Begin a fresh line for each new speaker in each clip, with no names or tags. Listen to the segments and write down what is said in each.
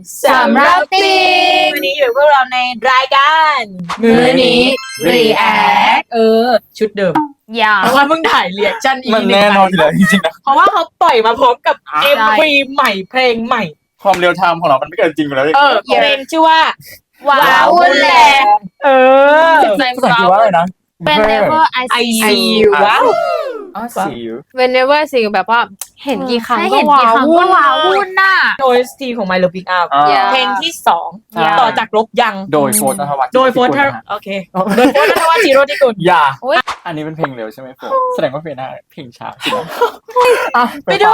สำรับติง
วันนี้อยู่พวกเราในรายการ
มื้อนี้ React
ชุดเดิม
อย่า
เพราะว่าเพิ่งถ่ายเรียกชั่นอีก
มันแน่นอนอยู่แล้วจริงๆนะ
เพราะว่าเขาปล่อยมาพร้อมกับ
ใช่
MV ใหม่เพลงใหม่
ความเรียลไทม์ของเรามันไม่เกินจริงอยู่แล้ว
เพลงชื่อว่า
ว้าวุ่นแหละ
ภาษาอังกฤษว่าอะไรนะ
Whenever I
I
see
see
you
you ว้าว
see you
Whenever see แบบว่าเห็นกี่ครั้ง
ให้
ก็
เห็น
ว้า
กี่ครั้ง
วุ่
ก็
น
ว้าวุ่นน่ะ
OST ของ My Love Pick Up
อ่า
เพลงที่
ใช่
2 ต่อจากลบยัง
โดยโฟร์ธนวัฒน์
โดยโฟร์ธโอเคโดยโฟร์ธนวัฒน์จิโรติกุล
อย่าอันนี้เป็นเพลงเร็วใช่ไหมโฟร์แสดงว่าเพลงหน้าเพลงช้าจริง
ไปดู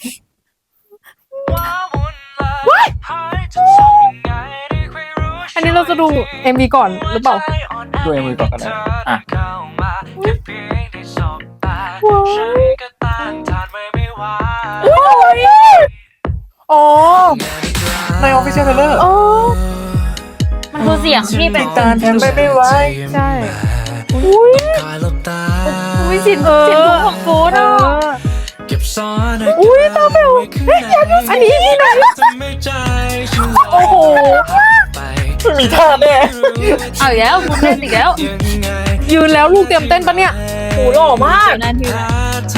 อันนี้เราจะดู MV ก่อนหรือเปล่า
ดูมือก่อนกันนะอ่ะ อ๋อใน Official Trailer
มันคือเสียงที่เป็น
การแทนไม่ไหว
ใช่อุ้ยสินเสียงของฟูดอ่ะอุ้ยตาเบลอันนี้ที่ไหนโอ้โห
มีท่าแน่
เอาอีกแล้วคุณเล่นอีกแล้ว
ยืนแล้วลูกเตรียมเต้นปะเนี่ย
โหหล่อมาก
นั่นทีละ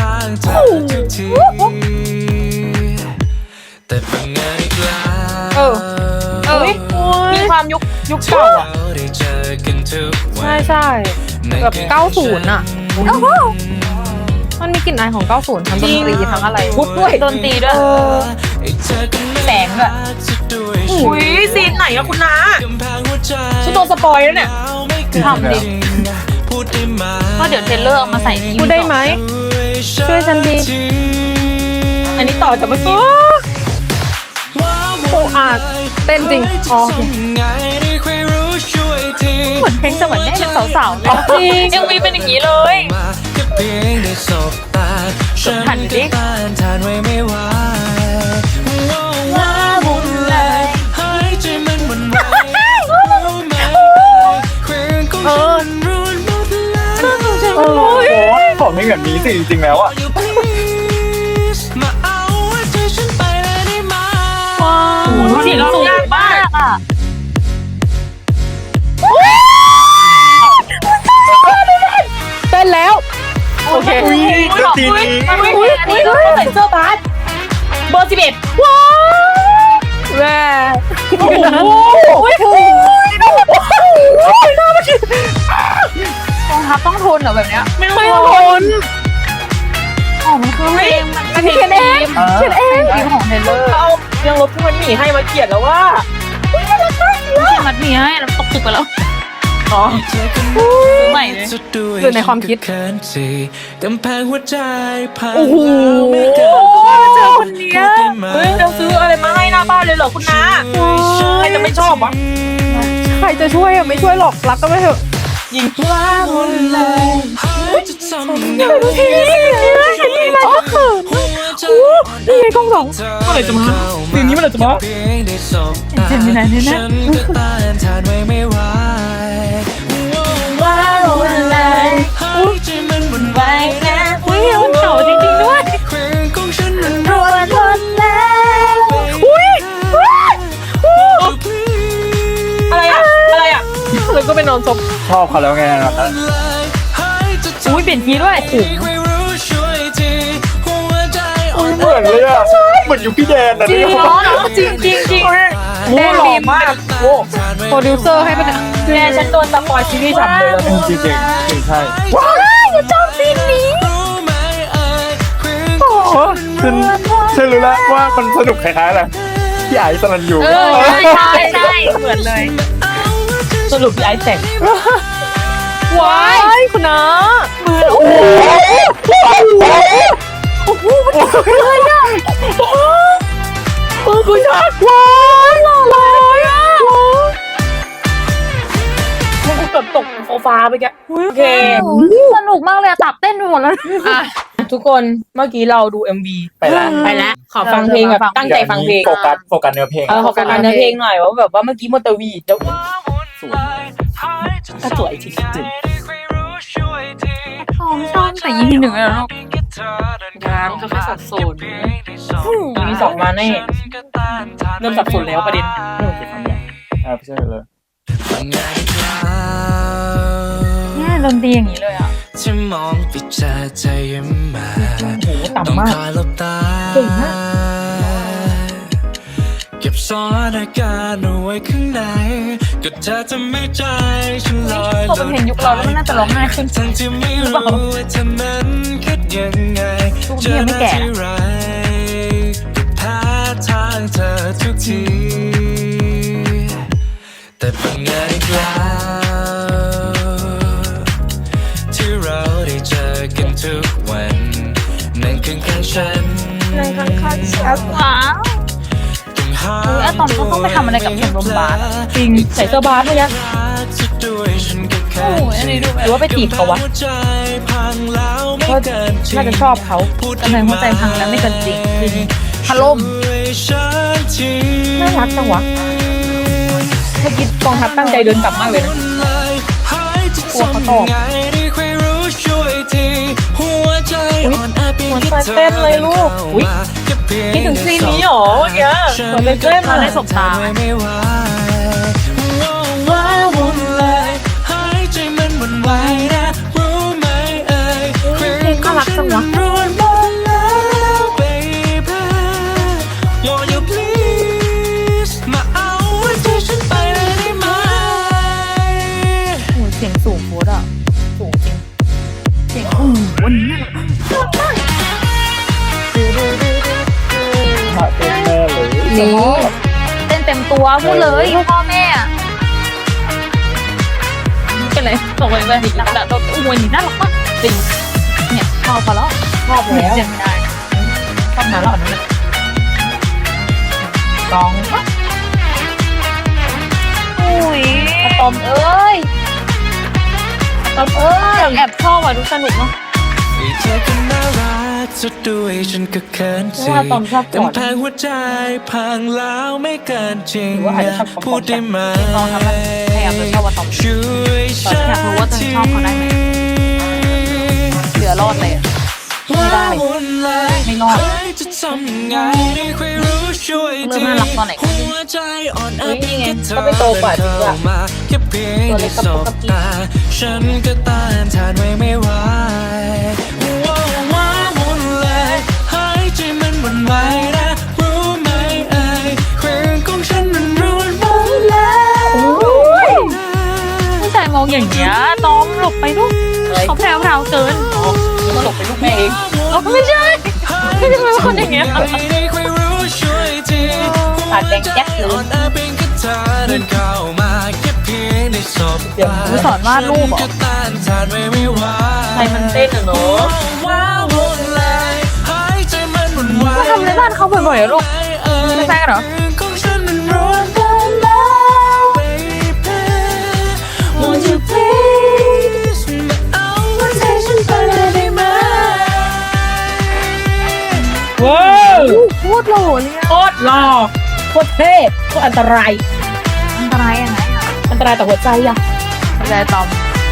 เออ
มีความยุคเก่าอ่ะ
ใช่ใช่แบบ90อ่ะมันมีกลิ่นอายของ90ทั้งดนตรีทั้งอะไร
พุดด้วย
ดนตรีด้วย
แสงด้วยอุ้ยซีนไหนอะคุณน้าฉันโดนสปอยแล้วเนี่ย
ทำดิก็เดี๋ยวเทรลเลอร์เอามาใส่ที่
พูดได้ไหมช่วยฉันดี
อันนี้ต่อจากเมื่อกี้
โอ้อาเต้นจริงอ๋อโอเค
เหมือนเพลงสวรรค์ได้เป็นสาวๆเลย
จริง
ยังมีเป็นอย่างนี้เลย หันดิ
ว้าวุ่นเลย
ขอไม่แบบนี้สิจริงๆแล้วอ่ะ
เสียงสูงมากอ่ะ
เต้นแล้วโอเค
ดนตรีนี้
อุ้ยใส่เสื้อบาสเบอร์11ว้าว
แม่
โอ้โห
กองทัพต้องทนเหรอแบบเนี้ย
ไม่
ไม่
รู้
ทน
อ๋อมันคือเพลงมัน
อันนี้เขียนเองเขียนเอง
เพลงของเทรลเลอร์
เอายังลบที่มันหนีให้มาเขียนแล้วว่า
ไม่ใช่มัดหมีให้เราตกตึกไปแล้ว
อ๋อ
ซื้อใหม่เลย
หรือในความคิด
กำแพงหัวใจพัง
โอ้โห
เจอคนเนี้ยเฮ้ยเราซื้ออะไรมาให้หน้าบ้านเลยเหรอคุณน้าใครจะไม่ชอบวะ
ใครจะช่วยอ่ะไม่ช่วยหรอกรักก็ไม่เถอะ
ยิงว้าวุ่นเลย
จะทำยังไง
อ๋อคือนี่ไงกล้องสอง
เมื่อไหร่จะมาซีนนี้เมื่อไหร่จะมา
เจมินายเนี่ยนะ
ฉันก็ต้านทานไว้ไม่ไหว
ว้าวุ่นเลย
ให้ใจมันหวั่นไหว
นะ
อุ้ยมันเก่าจริงๆด้วย
เครื่องของฉันมัน
รัวทนแล้ว
อุ้ย
อะไรอะอะไรอะ
แล้วก็ไปนอนศพ
ชอบเขาแล้วไงนะ
อุ้ยเปลี่ยนทีด้วย
ไม่รู้ช่วยทีหัวใจอ่อน
เหมือนเลยอ่ะเหมือนอยู่พี่แดนนะเนี่ย
จริงจริงจริง
แดนบีม
มากโอ้
โปรดิวเซอร์ให้ปะเนี่ย
แม่ฉันโดนสปอยซีรีส์ฉ่ำเลยแล้ว
จริงๆจริงใช่
รู้ไหมเครื่อง
โอ้โหฉันรู้แล้วว่ามันสนุกคล้ายๆอะไรพี่ไอซ์สลันยู
ใช่ใช่เหมือนเลย
สรุปพี่ไอซ์แต่ง
ว้ายคุณน้าโอ้โหโอ้โหเลยอ่ะคุณชาว้ายหล่อเลยอ่ะ
มันเกือบตกโซฟาไปแกโอเค
สนุกมากเลยอะตับเต้นไปหมดแล้ว
อ่ะทุกคนเมื่อกี้เราดู MV
ไปแล้ว
ไปแล้วขอฟังเพลงแบบตั้งใจฟังเพลง
โฟกัสเนื้อเพลง
ขอฟังเนื้อเพลงหน่อยว่าแบบว่าเมื่อกี้มนตวีแล้ว
สวย
ก็สวยจริง
ชอบแต่ยี่หนึ่งแล้วเนาะ
ๆงานก็แค่สัดส่วนมีสองมาแน่เริ่มสับสนแล้วประเด็น
ไปทำเนี่ยไม่ใช่เลย
เนี่ยดนตรีอย่างนี้เลยอ่ะ
จะมองไปเจอเธอยิ้มมา
โอ้โห
ต้อง
ต่ำมาก
คอยหลบตา
เก่งมาก
เก็บซ่อนอาการเอาไว้ข้างในก็เธอจะไม่ใจฉันลอย
พอมันเห็นยุคเราแล้วมันน่าจะร้องไห้ขึ้น
ทั้งที่ไม่รู้ว่าเธอนั้นคิดยังไง
ลูกนี้ยังไม่แก่นะ
เจอหน้าที่ไรก็แพ้ทางเธอทุกที แต่เป็นไงอีกแล้วที่เราได้เจอกันทุกวันนั่นข้างๆฉัน
ในข้างๆฉันว้าวอะตอนเขาต้องไปทำอะไรกับชมรมบาสอะจริงใส่เสื้อบาสเลยนะโอ้ยอันนี้ดูหรือว่าไปจีบเขาวะก็น่าจะชอบเขากำลังหัวใจพังแล้วไม่เกินจริงพัดลมน่ารักจังวะถ้าคิดกองทัพตั้งใจเดินกลับมากเลยนะกลัวเขาตอบหัวใจเต้นเลยลูกอุ๊ยคิดถึงซีนนี้หรอเมื่อกี้หัวใจเต้นมาในสบตาน่ารักจังวะโอ้ยเสียงสูงโคตรอ่ะสูงจริงเสียงโอ้โหวันนี้น่ารัก
เต้นแม่เลย
นี่เต้นเต็มตัวพูดเลยพ่อแม่อะเป็นไรส่งไปเลยหลักๆตัวอ้วนนี่น่ารักมากจริงเนี่ยชอบเขาแล้วชอบแล้วยังไม่ได้ชอบนานแล้วนั่นแหละกองอุ้ยอะตอมเอ้ยอะตอมเอ้ยแอบชอบอ่ะดูสนุกเนาะ
เธอก็น่ารักสุดด้วยฉันก็เขินสิ
ว่าตอมชอบกอด
กำแพงหัวใจพังแล้วไม่เกินจริง
หรือว่าอาจจะชอบกอด
พูดได้ไหม
ลองทำแล้วพยายามจะชอบว่าตอม
ช่วย
ตอนอยากรู้ว่าตัวเองชอบเขาได้ไหมเหลือรอดเลยอะไม่ได้ไม่รอด
จะทำยังไงไม่ค่อยรู้ช่วย
เริ่มน่ารักตอนไหน
หัวใจอ่อนแอ
เฮ้ยนี่ไง
เธอ
ก็ไปโตกว่าจริงอะ
เข้ามาแค่เพียง
ตัวเล็กกับ
ส
ป
บ
กติ
ตาฉันก็ต้านทานไว้ไม่ไหวว้าวว้าววุ่นเลยหายใจมันหวั่นไหวนะรู้ไหมเอ่ยเครื่องของฉันมันรุนหมดแล้ว
ผู้ชายมองอย่างเงี้ยน้องหลบไปลูกเขาแพรวๆเกินก็หลบไปลูกแม่เองไม่ใช่ไม่ใช่เป็นคนอย่างเงี้ยปากแดงแจ๊กเลยเดี๋ยวกูสอนวาดรูปเหรอใครมันเต้นอะเนาะก็ทำในบ้านเขาบ่อยๆอะลูกไม่ใช่กันเหรอว้าวโคตรหล่อเลยโคตรหล่อโคตรเท่โคตรอันตรายอันตรายยังไงอะอันตรายต่อหัวใจอะหัวใจตอม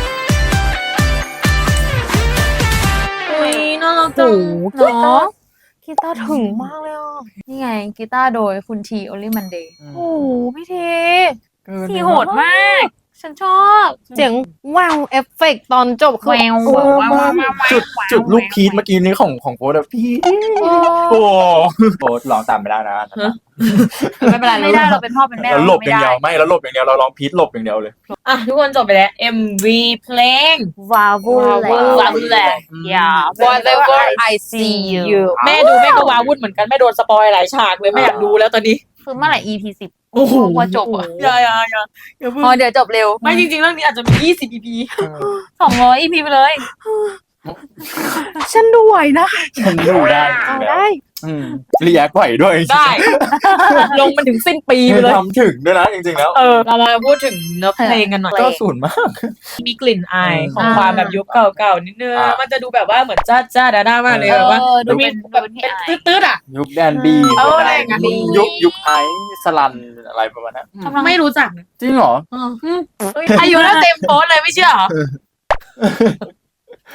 อุ้ยน่ารักจังเนาะกีตาร์ถึงมากเลยอ่ะนี่ไงกีตาร์โดยคุณทีโอลิมันเดย์โอ้โหพี่เททีโหดมากฉันชอบเสียงว้าวเอฟเฟกต์ตอนจบคือแวว
จุดลูกพีทเมื่อกี้นี้ของโฟร์อะพี่โอ้โฟร์ร้องตามไม่ได้นะ
ไม่เป็นไรไม่ได้เราเป็นพ่อเป็นแม่
เราหลบอย่าง
ไม่
เดียว
ได้
ไม่เราหลบอย่างเดียวเราร้องพีทหลบอย่างเดียวเลย
อ่ะทุกคนจบไปแล้ว MV เพลง
วาวุ่นเลย
วาวุ่นแหละ
Yeah
Whatever I see you แม่ดูแม่ก็ว้าวุ่นเหมือนกันแม่โดนสปอยหลายฉากเลยแม่อยากดูแล้วตอนนี้
คือเมื่อไหร่ EP 10
โอ้โห
ว่าจบอ่ะ
อย่าเพิ่ง
อ๋อเดี๋ยวจบเร็ว
ไม่จริงๆเรื่องนี้อาจจะมี20 EP
200 EP ไปเลย
ฉันดูไหวนะ
ฉันดูได้
เอาได้
รีแอคไหวด้วย
ได้ ลงมันถึงสิ้นปีไปเลย
ทำถึงด้วยนะจริงๆแล้ว
เรามาพูดถึงเนื้อเพลงกันหน่อย
ก็ศูนย์มาก
มีกลิ่นอายของความแบบยุคเก่าๆนิดนึง มันจะดูแบบว่าเหมือนจ้าด้ามากเลยแบบว่าดูมีแบบเป็นตืดๆอ่ะ
ยุคแดนบี
อะไรอย่างเงี้ย
ยุคไอซ์สลันอะไรประมาณนั้น
ไม่รู้จักนะ
จริงเหรอ
อายุแล้วเต็มโพสเลยไม่เชื่อเหรอ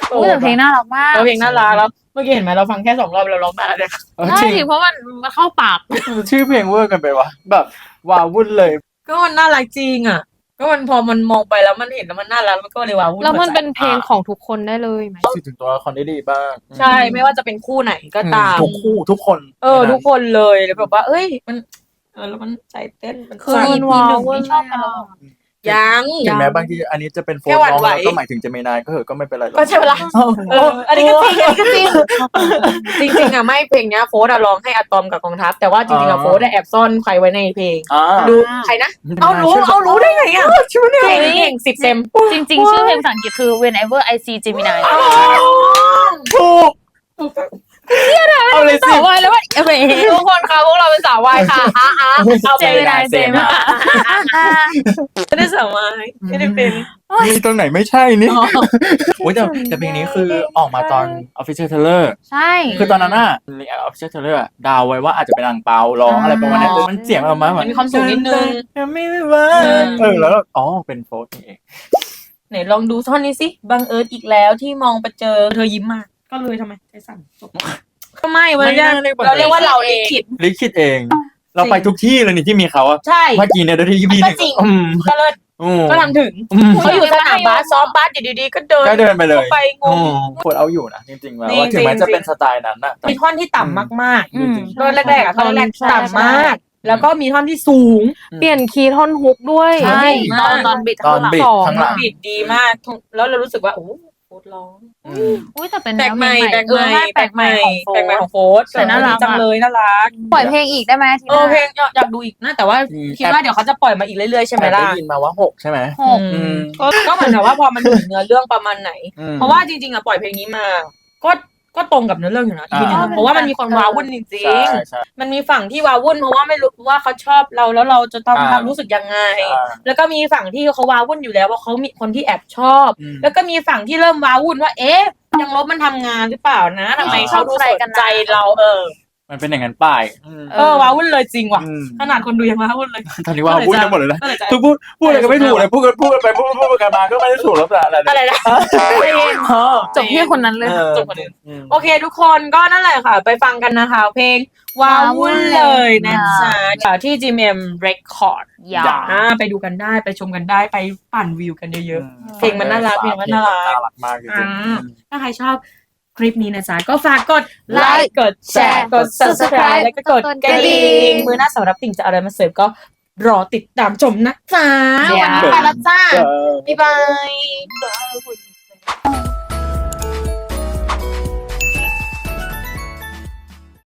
อุ้ยแต่เพลงน่ารักมาก
เพลงน่ารักแล้วเมื่อกี้เห็นไหมเราฟังแค่2 รอบเราร้องได้เลย
ใช่ดิเพราะมันเข้าปาก
ชื่อเพลงเวอร์กันไปวะแบบว้าวุ่นเลย
ก็มันน่ารักจริงอ่ะก็มันพอมันมองไปแล้วมันเห็นแล้วมันน่ารักมันก็เลยว้าวุ่น
แล้วมันเป็นเพลงของทุกคนได้เลยไหม
สื่อถึงตัวละครได้ดีบ้าง
ใช่ไม่ว่าจะเป็นคู่ไหนก็ตาม
ทุกคู่ทุกคน
ทุกคนเลยแล้วแบบว่าเอ้ยมันแล้วมันใจเต้นมัน
คือ
สั่น
มันว้าวเว้ยชอบกันแล้ว
ยัง
ถึงแม้บางทีอันนี้จะเป็นโฟ
แค่
น
หวั่น
น้อง
ไหว
แล้วก็หมายถึงเจมินายก็เถอะก็ไม่เป็นไรหรอก
ก็ใช่เวลาอันนี้ก็จริงอันนี้ก็จริงจริงๆอ่ะไม่เพลงเนี้ยโฟร์ร้องให้อะตอมกับกองทัพแต่ว่าจริงๆอ่ะโฟร์แอบซ่อนใครไว้ในเพลง ดูใครนะเอารู้ได้ไงอ่ะเพลงนี้เอง10 เต็ม
จริงๆ ชื่อเพลงภาษาอังกฤษคือ Whenever I See Gemini
ถูกเอาเลยสิ
สาววายแล้วว่าทุกคนคะพวกเราเป็นสาววายค่ะ
เอาไป
Gemini
เจมส์
ไม่ได้สาววายไม่ได้เป็น
มีตรงไหนไม่ใช่นี่โอ้ยแต่เพลงนี้คือออกมาตอน Official Trailer
ใช่
คือตอนนั้นน่ะใน Official Trailer ดาวไว้ว่าอาจจะเป็นอังเปาร้องอะไรประมาณนั้นมันเสียงออกมาเหมือน
มีความสูงนิดนึง
ไม่ว่าแล้วอ๋อเป็นโฟร์นี่เอง
ไหนลองดูท่อนนี้สิบังเอิญอีกแล้วที่มองไปเจอเธอยิ้มมาก็เลยทำไมใจสั่นจบก็ไม่วันนี้เราเรียกว่าเราลิขิต
ลิขิตเอง เราไปทุกที่เลยนี่ที่มีเขาอะ
ใช่
เมื่อกี้เนี่ยที่พี่
ก็จริงก็เลิศก็ทำถึงเขาอยู่สนามบาสซ้อมบาสอยู่ดีๆก็เดิน
ก็เดินไปเลย
ไปงง
โคตรเอาอยู่นะจริงๆแล้ว
จริง
ว่าถึงแม้จะเป็นสไตล์นั้นอะ
มีท่อนที่ต่ำมาก
จริง
ๆท่อนแรกๆอ่ะท่อนแรกๆต่ำมาก แล้วก็มีท่อนที่สูง
เปลี่ยนคีย์ท่อนฮุกด้วย
ใช่
ตอนบิด
ตอนบิดข้างหลัง
บิดดีมาก แล้วเรารู้สึกว่าโอ้โหโคตรร้อง
อุ้ยแต่เป็น
แปลกใหม่แปลกใหม่
แปลกใหม่ของโฟ
แปลกใหม่ของโฟส
แต่น่ารัก
จังเลยน่ารัก
ปล่อยเพลงอีกได้ไหมทีหน้า
เพลงอยากดูอีกนะแต่ว่าคิดว่าเดี๋ยวเขาจะปล่อยมาอีกเรื่อยๆใช่ไหม
แต่
ล่ะ
ได้ยินมาว่า6ใช่ไหม
หก
ก็เหมือนกับว่าพอมันถึงเนื้อเรื่องประมาณไหน เพราะว่าจริงๆอะปล่อยเพลงนี้มา ก็ตรงกับเนื้อเรื่องอยู่นะทีนึงเพราะว่ามันมีคนว้าวุ่นจริ
ใช่
ง
ใช่
ๆมันมีฝั่งที่ว้าวุ่นเพราะว่าไม่รู้ว่าเขาชอบเราแล้วเราจะต้องทำรู้สึกยังไง แล้วก็มีฝั่งที่เขาว้าวุ่นอยู่แล้วว่าเขามีคนที่แอบชอบ แล้วก็มีฝั่งที่เริ่มว้าวุ่นว่าเอ๊ะยังลบมันทำงานหรือเปล่านะทำไมเขาดูสนใจเรา
มันเป็นอย่างนั้นป้าย
ว้าวุ่นเลยจริงว่ะขนาดคนดูยังว้าวุ่นเลย
ตอนนี้ว่าพูดกันหมดเลยนะ
ก็เลยจะ
พูดอะไรก็ไม่ถูกเลยพูดกันไปพูดกันมาก็ไม่ได้ถูกแล้วแต่อะไร
อะไรนะ
จบที่คนนั้นเลย
จบคนอื่นโอเคทุกคนก็นั่นแหละค่ะ ไปฟังกันนะคะ เพลงว้าวุ่นเลยนะจ๊ะที่ GMM Record
อย่า
ไปดูกันได้ไปชมกันได้ไปปั่นวิวกันเยอะๆ เพลงมันน่ารักเพลงมันน่ารัก
มากจริง
ถ้าใครชอบคลิปนี้นะจ๊ะก็ฝากกดไล
Like
ค์กดแชร์กด subscribe แล้วก็กดกระดิ่งมือหน้าสำหรับติ่งจะเอาอะไรมาเสิร์ฟก็รอติดตามชมนะจ๊ะวันนี้ไปแล้วจ้า บ๊ายบาย